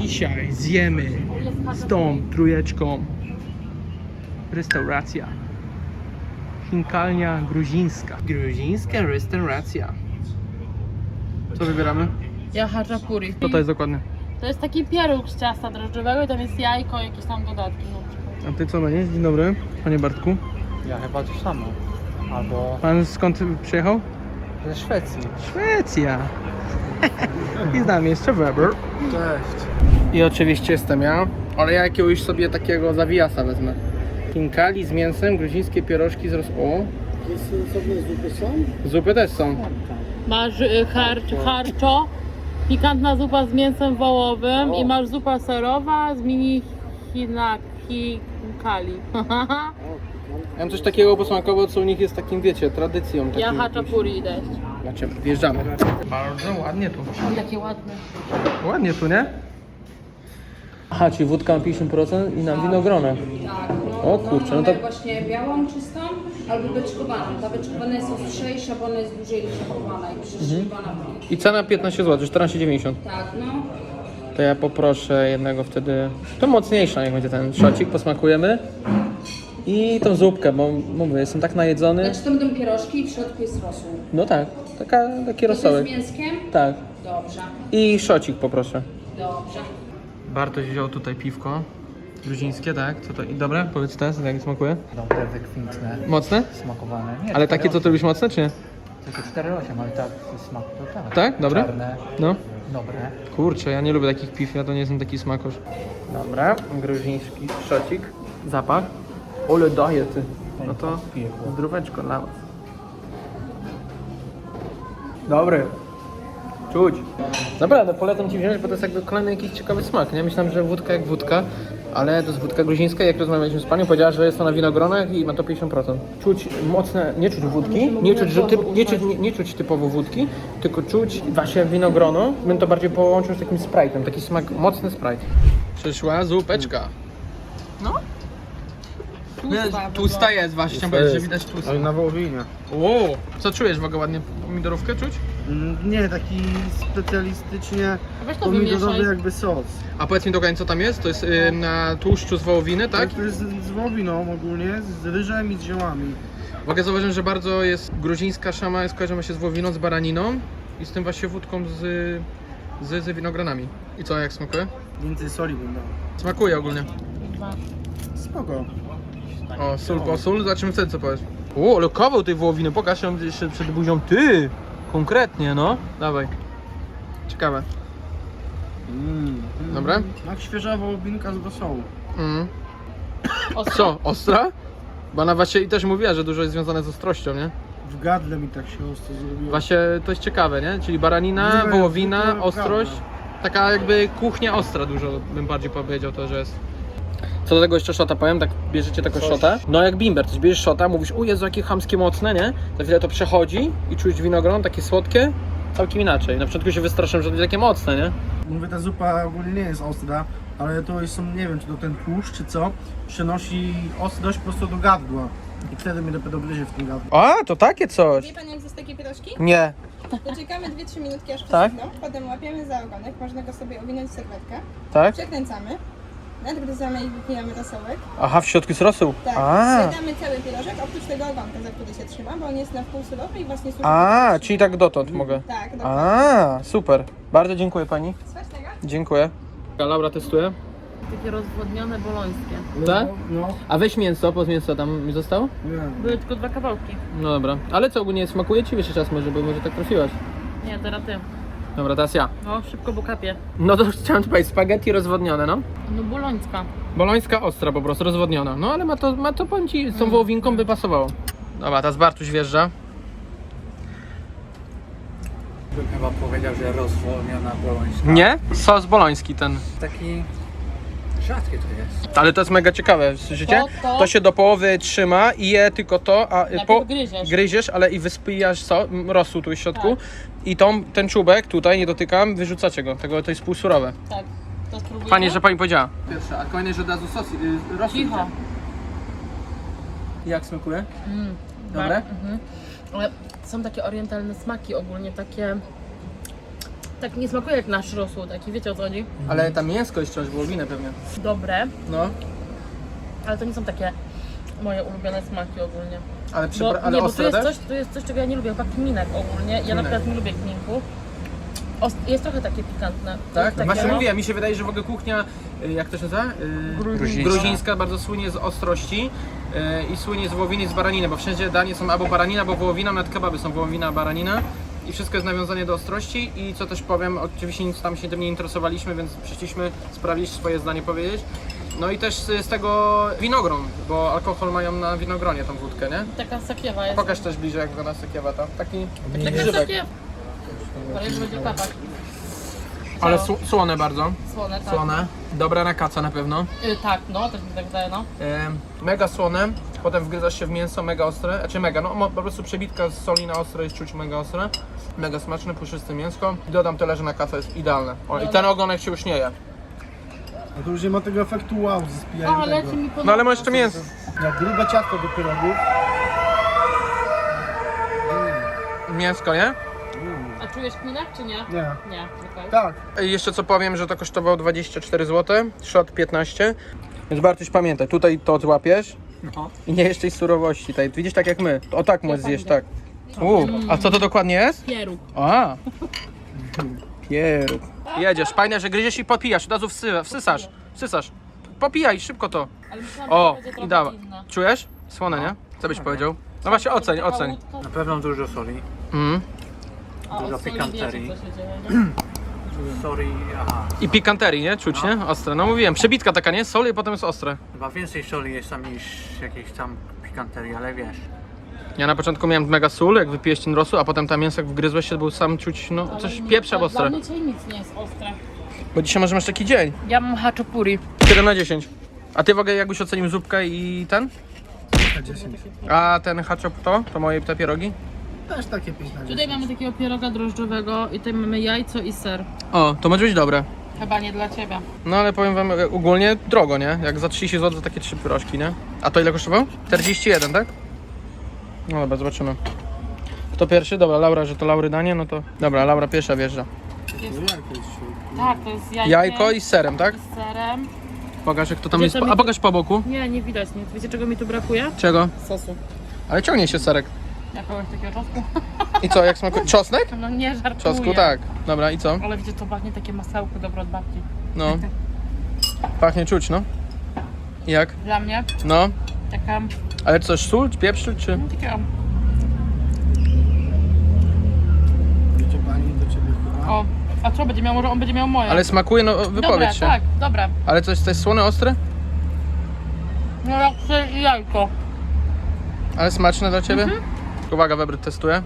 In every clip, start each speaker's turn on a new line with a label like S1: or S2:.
S1: Dzisiaj zjemy z tą trójeczką. Restauracja. Chinkalnia gruzińska. Gruzińska restauracja. Co wybieramy?
S2: Ja haczapuri.
S1: Co to jest dokładnie?
S2: To jest taki pieróg z ciasta drożdżowego i tam jest jajko, jakieś tam dodatki na przykład.
S1: A ty co będziesz? Dzień dobry, panie Bartku.
S3: Ja chyba to samo. Albo
S1: Pan skąd przyjechał?
S3: ze Szwecji.
S1: Szwecja. I z nami jeszcze Weber.
S3: Cześć.
S1: I oczywiście jestem ja, ale ja jakiegoś sobie takiego zawijasa wezmę. Hinkali z mięsem, gruzińskie pierożki z o.
S3: Osobne zupy są?
S1: Zupy też są.
S2: Masz harczo, pikantna zupa z mięsem wołowym i masz zupa serowa z mini hinkali.
S1: Ja mam coś takiego posmakowo, co u nich jest takim, wiecie, tradycją.
S2: Ja
S1: takim
S2: haczapuri idę.
S1: Znaczy, wjeżdżamy. Bardzo ładnie tu.
S2: Takie ładne.
S1: Ładnie tu, nie? Aha, czyli wódka na 50% i na winogronę.
S4: Tak,
S1: O kurczę, no to...
S4: właśnie białą czystą albo beczkowaną. Ta beczkowana jest ostrzejsza, bo ona jest dłużej szachowana i przeszywana.
S1: I cena 15 zł, 14,90.
S4: Tak, no.
S1: To ja poproszę jednego wtedy... To mocniejsza, niech będzie ten szocik, posmakujemy. I tą zupkę, bo mówię, jestem tak najedzony.
S4: Znaczy to będą pierożki i w środku jest rosół.
S1: No tak, taki
S4: To
S1: rosołek.
S4: z mięskiem?
S1: Tak.
S4: Dobrze,
S1: I szocik poproszę.
S4: dobrze.
S1: Bartoś wziął tutaj piwko. Gruzińskie, tak? Co to? I dobre? Powiedz teraz, jak smakuje?
S3: Dobre, wykwintne,
S1: Mocne?
S3: smakowane. Nie,
S1: Ale takie, co ty lubisz mocne, czy nie?
S3: Takie 4,8, ale tak, smak to tak.
S1: Tak? Dobre?
S3: Czarne,
S1: No.
S3: dobre.
S1: Kurczę, ja nie lubię takich piw, ja to nie jestem taki smakosz. Dobra, gruziński szocik. Zapach. Ole daje ty. No to zdróweczko dla was. Dobry. Czuć. Naprawdę, polecam ci wziąć, bo to jest jakby kolejny jakiś ciekawy smak, nie? Myślałem, że wódka jak wódka, ale to jest wódka gruzińska. Jak rozmawialiśmy z panią, powiedziała, że jest to na winogronach i ma to 50%. Czuć mocne, nie czuć wódki, nie czuć typowo wódki, tylko czuć właśnie winogrono. Bym to bardziej połączył z takim sprite'em, taki smak, mocny sprite. Przyszła zupeczka. No. Tłusta jest właśnie, chciałem powiedzieć, że widać tłusta.
S3: Ale na wołowinie.
S1: O, co czujesz w ogóle ładnie? Pomidorówkę czuć?
S3: Nie, taki specjalistycznie
S2: Weź to
S3: pomidorowy
S2: wymieszaj.
S3: jakby sos.
S1: A powiedz mi dokładnie co tam jest? To jest na tłuszczu z wołowiny, tak?
S3: To jest z wołowiną ogólnie, z ryżem i z ziołami.
S1: W ogóle zauważyłem, że bardzo jest gruzińska szama, skojarzy się z wołowiną, z baraniną i z tym właśnie wódką z winogronami. I co, jak smakuje?
S3: Więcej soli bym dał.
S1: Smakuje ogólnie.
S3: Spoko.
S1: O, sól po sól, zobaczymy wtedy co powiesz. O, ale kawał tej wołowiny, pokaż ją jeszcze przed buzią. Ty! Konkretnie, no. Dawaj. Ciekawe. Dobre?
S3: Jak świeża wołowinka z rosołu.
S1: Mm.
S2: Ostra?
S1: Co, ostra? Bo ona właśnie i też mówiła, że dużo jest związane z ostrością, nie?
S3: W gardle mi tak się ostro zrobiło.
S1: Właśnie to jest ciekawe, nie? Czyli baranina,
S3: Nie,
S1: wołowina,
S3: zwykle
S1: ostrość. Taka jakby kuchnia ostra dużo bym bardziej powiedział to, że jest. Co do tego jeszcze szota powiem, tak bierzecie taką szotę. No jak bimber, coś bierzesz szota, mówisz, o Jezu, jakie chamskie mocne, nie? Za chwilę to przechodzi i czujesz winogron, takie słodkie, całkiem inaczej. Na początku się wystraszyłem, że to będzie takie mocne, nie?
S3: Mówię, ta zupa ogólnie nie jest ostra, ale to są, nie wiem, czy to ten tłuszcz, czy co, przenosi ostrość prosto do gardła. I wtedy mnie dopiero gryzie w tym gardle.
S1: A, to takie coś.
S5: Wie Pan jak zjeść takie pierożki?
S1: Nie.
S5: To czekamy 2-3 minutki aż
S1: Tak?
S5: przesydną, potem łapiemy za ogonek, można go sobie owinąć w serwetkę,
S1: Tak?
S5: przekręcamy, nadgryzamy i wypijamy rosołek.
S1: Aha, w środku jest rosół.
S5: Tak,
S1: A,
S5: zjadamy cały pierożek, oprócz tego ogonka, za który się trzyma, bo on jest na wpół surowy i właśnie służy...
S1: a, czyli tak dotąd mogę.
S5: Tak, dokładnie.
S1: A, super. Bardzo dziękuję pani.
S5: Smacznego.
S1: Dziękuję. Laura testuje.
S2: Takie rozwodnione bolońskie.
S1: Tak?
S3: No,
S1: A weź mięso, po mięso tam mi zostało?
S3: nie.
S2: Były tylko 2 kawałki.
S1: No dobra. Ale co ogólnie smakuje ci jeszcze czas może, bo może tak trafiłaś.
S2: Nie, teraz ty.
S1: Dobra, teraz ja.
S2: No, szybko, bo kapie.
S1: No to chciałem ci powiedzieć, spaghetti rozwodnione, no.
S2: No, bolońska.
S1: Bolońska ostra po prostu, rozwodniona. No ale ma to powiem ci, z tą wołowinką by pasowało. Dobra, teraz Bartuś wjeżdża.
S3: Bym chyba powiedział, że rozwolniona bolońska.
S1: Nie? Sos boloński ten.
S3: Taki rzadkie to jest.
S1: Ale to jest mega ciekawe, słyszycie?
S2: To-
S1: To się do połowy trzyma i je tylko to, a
S2: Najpierw gryziesz.
S1: gryziesz, ale i wyspijasz rosół tu w środku. I ten czubek tutaj, nie dotykam, wyrzucacie go. To jest półsurowe.
S2: Tak. To spróbujemy?
S1: Fajnie, że pani powiedziała. Pierwsze, a kolejny, że od razu sos, rosół.
S2: Cicho.
S1: Jak smakuje? Dobre?
S2: Ale są takie orientalne smaki ogólnie, takie Tak nie smakuje jak nasz rosół, taki wiecie o co chodzi?
S1: Ale ta mięsko jest wciąż wołowinę pewnie.
S2: Dobre,
S1: No,
S2: ale to nie są takie moje ulubione smaki ogólnie.
S1: ale,
S2: Bo, nie, bo
S1: ostre też?
S2: tu jest coś, czego ja nie lubię, chyba kminek ogólnie. Ja na przykład nie lubię kminku. Jest trochę takie pikantne.
S1: Tak?
S2: Jest takie,
S1: Właśnie
S2: no.
S1: mówię, mi się wydaje, że w ogóle kuchnia, jak to się nazywa? Gruzińska bardzo słynie z ostrości i słynie z wołowiny i z baraniny, bo wszędzie danie są albo baranina, albo wołowina, nawet kebaby są wołowina, baranina i wszystko jest nawiązane do ostrości i co też powiem, oczywiście nic tam się tym nie interesowaliśmy, więc przyszliśmy sprawdzić swoje zdanie powiedzieć. No i też z tego winogron, bo alkohol mają na winogronie tą wódkę, nie?
S2: Taka sakiewa jest.
S1: Pokaż też bliżej jak wygląda sakiewa tam, taki
S2: Taka
S1: grzybek.
S2: sakiewa. Ale już będzie kapać.
S1: Ale słone bardzo,
S2: Słone, tak.
S1: słone, dobre na kaca na pewno.
S2: Tak, no, też mi tak wydaje, no.
S1: Mega słone, potem wgryzasz się w mięso, mega ostre, znaczy mega, no po prostu przebitka z soli na ostre jest czuć mega ostre. Mega smaczne, puszyste mięsko. Dodam tyle, że na kacę jest idealne. O, i ten ogonek się już nie je.
S3: A to już nie ma tego efektu wow ze spijaniem
S2: O,
S3: tego.
S2: leci mi pod...
S1: No ale ma jeszcze mięso.
S3: Jak grube ciasto do pierogów.
S1: Mięsko, nie?
S2: A czujesz kminek, czy nie?
S3: Nie.
S2: Nie, okej.
S3: Tak.
S1: I jeszcze co powiem, że to kosztowało 24 zł, shot 15. Więc Bartuś pamiętaj, tutaj to złapiesz i nie jeszcze surowości. Tutaj, widzisz, tak jak my. O tak możesz zjeść, tak. A co to dokładnie jest?
S2: Pieróg.
S1: A. Pieróg. Jedziesz, fajne, że gryziesz i popijasz, od razu wsysasz. Popijaj, szybko to.
S2: Ale myślałam,
S1: O,
S2: że będzie
S1: i
S2: trochę
S1: dawa.
S2: inne.
S1: Czujesz? Słone, nie? Co byś powiedział? No właśnie, oceń.
S6: Na pewno dużo soli.
S1: Mm.
S2: A
S6: Dużo
S2: od soli
S6: pikanterii.
S2: wiecie, co się dzieje, nie?
S6: Soli, aha.
S1: I pikanterii, nie? Czuć, nie? Ostre. No mówiłem, przebitka taka, nie? Soli i potem jest ostre.
S6: Chyba więcej soli jest tam niż jakiejś tam pikanterii, ale wiesz.
S1: Ja na początku miałem mega sól, jak wypijesz ten rosół, a potem tam mięso jak wgryzłeś się, był sam czuć, no coś
S2: Ale
S1: pieprza
S2: dla
S1: ostre.
S2: mnie dzisiaj nic nie jest ostre.
S1: Bo dzisiaj może masz taki dzień.
S2: Ja mam haczopuri.
S1: 7 na 10. A ty w ogóle jakbyś ocenił zupkę i ten?
S3: 10.
S1: A ten haczop to moje te pierogi?
S3: Też takie 5 na 10.
S2: Tutaj mamy takiego pieroga drożdżowego i tutaj mamy jajco i ser.
S1: O, to może być dobre.
S2: Chyba nie dla ciebie.
S1: No ale powiem wam, ogólnie drogo, nie? Jak za 30 zł za takie 3 pyrożki, nie? A to ile kosztowało? 41, tak? No dobra, zobaczymy. Kto pierwszy? Dobra, Laura, że to Laury danie, no to... Dobra, Laura pierwsza wjeżdża.
S2: Tak, to jest jajko.
S1: Jajko i z serem, tak?
S2: z serem.
S1: Pokaż jak to tam
S2: Gdzie
S1: jest,
S2: to mi
S1: a
S2: tu-
S1: pokaż po boku.
S2: Nie, nie widać nic. Wiecie czego mi tu brakuje?
S1: Czego?
S2: Sosu.
S1: Ale ciągnie się serek.
S2: Jakiegoś takiego czosnku.
S1: I co, jak smakuje? Czosnek?
S2: No nie żartuję.
S1: Czosnku, tak. Dobra, i co?
S2: Ale wiecie, to pachnie takie masełko dobre od babci.
S1: No. Pachnie czuć, no. I jak?
S2: Dla mnie
S1: No.
S2: taka...
S1: Ale coś, sól, pieprz, czy?
S2: Takiego...
S3: Wiecie pani do ciebie chyba.
S2: O, a co będzie miał? Może on będzie miał moje.
S1: Ale smakuje, no
S2: Dobre,
S1: wypowiedz się.
S2: tak, dobre.
S1: Ale coś jest słone, ostre?
S2: No jak ser i jajko.
S1: Ale smaczne dla ciebie? Uwaga, Weber testuje.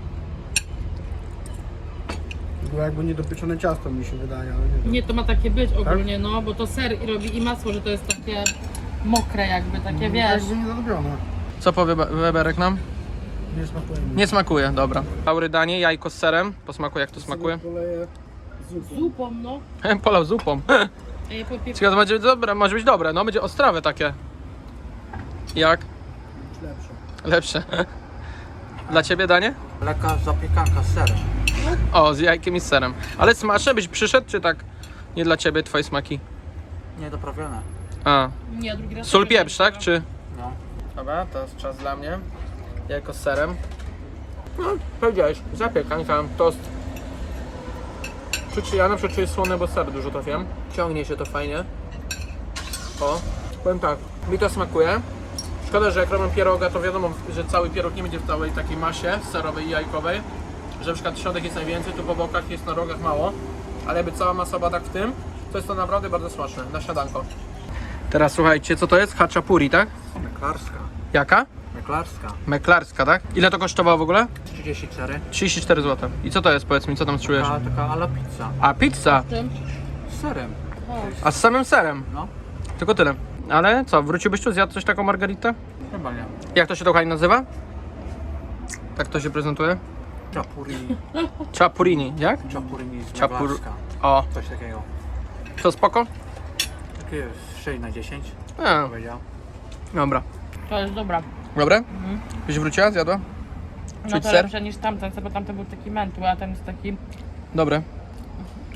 S3: Było jakby niedopieczone ciasto mi się wydaje, ale nie wiem.
S2: Nie, to ma takie być ogólnie, no, bo to ser i robi i masło, że to jest takie mokre jakby, takie wiesz.
S3: Jakby nie zrobione.
S1: Co powie Weberek nam?
S3: Nie smakuje mi.
S1: Nie smakuje, dobra. Laury danie, jajko z serem. Po smaku jak to smakuje?
S3: Poleję zupą.
S2: Zupą, no.
S1: Polał zupą.
S2: A ja popie...
S1: Ciekawe, to będzie dobre, może być dobre, no będzie ostrawe takie. Jak?
S3: Lepsze.
S1: Lepsze. Dla ciebie danie?
S6: Lekka zapiekanka z serem.
S1: O, z jajkiem i z serem. Ale smaczne byś przyszedł, czy tak nie dla ciebie, twoje smaki?
S6: Niedoprawione.
S1: A.
S2: Nie, drugi raz.
S1: Sól, pieprz, tak? Czy?
S6: No.
S1: Dobra, to jest czas dla mnie. Jajko z serem. No, powiedziałeś, zapiekanka, tost. Czuć, ja na przykład czuję słone, bo ser dużo to wiem. Ciągnie się to fajnie. O, powiem tak, mi to smakuje. Szkoda, że jak robię pieroga, to wiadomo, że cały pieróg nie będzie w całej takiej masie serowej i jajkowej. Że na przykład środek jest najwięcej, tu po bokach jest na rogach mało. Ale jakby cała masa była tak w tym, to jest to naprawdę bardzo smaczne, na śniadanko. Teraz słuchajcie, co to jest? Haczapuri, tak?
S6: Meklarska.
S1: Jaka?
S6: Meklarska.
S1: Meklarska, tak? Ile to kosztowało w ogóle?
S6: 34.
S1: 34 zł. I co to jest, powiedz mi, co tam czujesz?
S6: Taka ala pizza.
S1: A, pizza!
S6: Z serem.
S1: A z samym serem?
S6: No.
S1: Tylko tyle. Ale co, wróciłbyś tu, zjadł coś taką margaritę?
S6: Chyba nie.
S1: Jak to się dokładnie nazywa? Tak to się prezentuje? Chapurini, jak?
S6: Chapurini z
S1: Chapur-
S6: Meklarska.
S1: O,
S6: Coś takiego.
S1: to spoko?
S6: Takie 6 na 10
S1: A,
S6: powiedział.
S1: dobra.
S2: To jest dobra.
S1: Dobre? Byś wróciła, zjadła?
S2: No
S1: Czuć
S2: to
S1: ser?
S2: lepsze niż tamten, bo tamten był taki mętły, a ten jest taki...
S1: Dobre.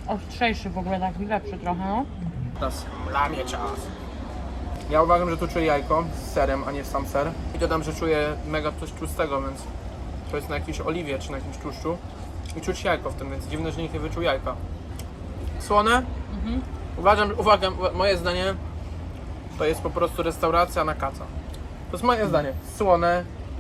S2: ostrzejszy w ogóle, taki lepszy trochę, no.
S1: Teraz lamie czas. Ja uważam, że tu czuję jajko z serem, a nie sam ser. I dodam, że czuję mega coś tłustego, więc to jest na jakiejś oliwie czy na jakimś tłuszczu. I czuć jajko w tym, więc dziwne, że nikt nie wyczuł jajka. Słone? Uwaga, moje zdanie to jest po prostu restauracja na kaca. To jest moje zdanie. Słone,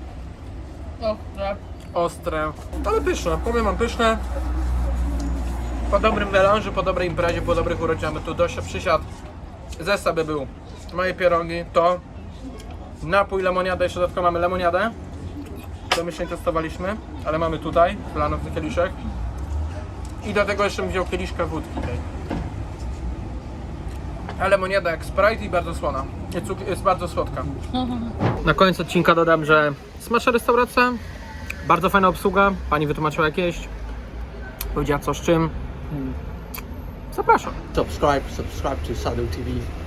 S1: ostre, ale pyszne. Powiem wam, pyszne. Po dobrym melanżu, po dobrej imprezie, po dobrych urodzinach, tu Dosia przysiadł. Zestaw by był moje pierogi, to napój, lemoniada, jeszcze dodatkowo mamy lemoniadę. To my się nie testowaliśmy, ale mamy tutaj, wlaną w kieliszek. I do tego jeszcze bym wziął kieliszkę wódki tej. A lemoniada jak Sprite i bardzo słona. Jest bardzo słodka. Na koniec odcinka dodam, że smaczna restauracja, bardzo fajna obsługa, pani wytłumaczyła jak jeść, powiedziała co z czym. Zapraszam.
S6: Subscribe to Sadu TV.